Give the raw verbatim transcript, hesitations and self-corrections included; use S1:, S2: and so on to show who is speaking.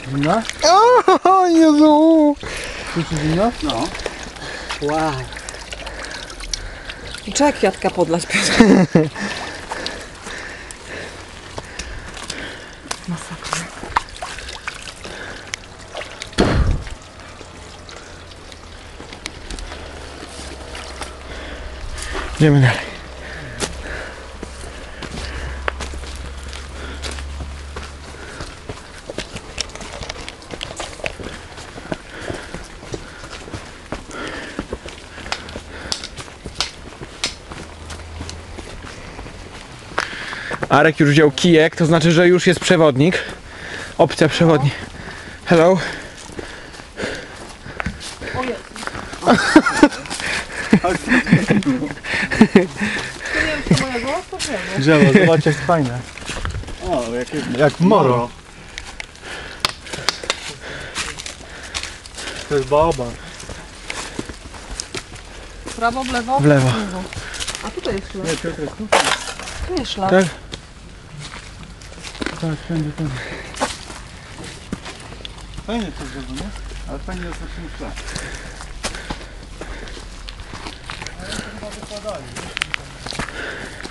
S1: Zimna?
S2: O Jezu!
S1: Czuć zimno?
S3: No.
S1: Wow.
S4: Trzeba kwiatka podlać. Masakra.
S2: Idziemy dalej. Arek już wziął kijek, to znaczy, że już jest przewodnik. Opcja przewodnik. Hello.
S4: O Jezu. To nie wiem, czy mojego, to drzewo.
S1: Drzewo, zobacz jak fajne.
S3: O, jakie...
S1: Jak moro. To jest baobab.
S4: W prawo, w lewo?
S2: W lewo.
S4: A tutaj jest szlak.
S1: Nie, Piotr jest tu.
S4: Tu jest szlak.
S2: Tak?
S1: Tak, wszędzie, wszędzie. Fajnie to drzewo, nie?
S3: Ale fajnie jest na tym szlak.
S1: Ale to chyba wykładali.